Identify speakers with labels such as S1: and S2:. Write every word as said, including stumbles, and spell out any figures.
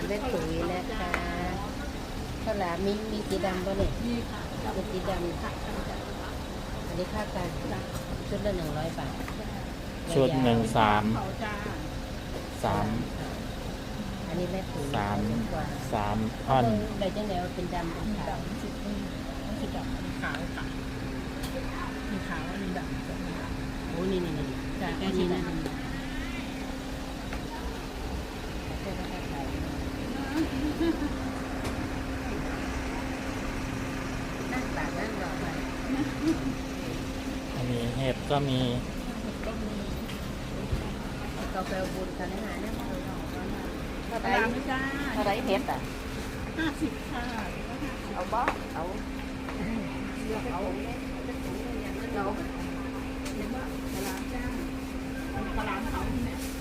S1: แม่ตุ๋ยนะคะข้าวหลามมีมีสีดำป่ะเนี่ย
S2: นี่ค่ะ
S1: มีสีดำค่ะอันนี้ค่าการชุดละหนึ่งร้อยบาท
S3: ชุดหนึ่งสาม
S2: เขาจ้า
S3: สาม
S1: อันนี้แม่ตุ๋ย
S3: สาม
S1: กว่า
S3: สามท่อน
S1: ใบจังแนวเป็นดำเป็น
S2: มี
S1: ขาว
S2: ดำสีนี่มันสีดำมีขาวค่ะมีขาวอันนี้ดำ
S1: โอ้นี่นี่นี่
S2: จ้า
S1: แค่
S2: แค่
S1: นี้
S2: นี้
S1: นะ
S2: นะ
S1: แค่ราคาขายนั่งตากนั่งรอไป
S3: อันนี้เห็ดก็มี
S2: ก็มี
S1: กาแฟบุญกันนะฮะเนี่ยมาดูหน่อยว่า
S2: ปลาร้าไม่จ้า
S1: เท่าไรเพชรอ่ะ
S2: ห้าสิบค่ะ
S1: เอาบ้าเอา
S2: เลือกเอา
S1: เรา
S2: เห็นว่าปลาร้าจ้าปลาร้าเขาเนี่ย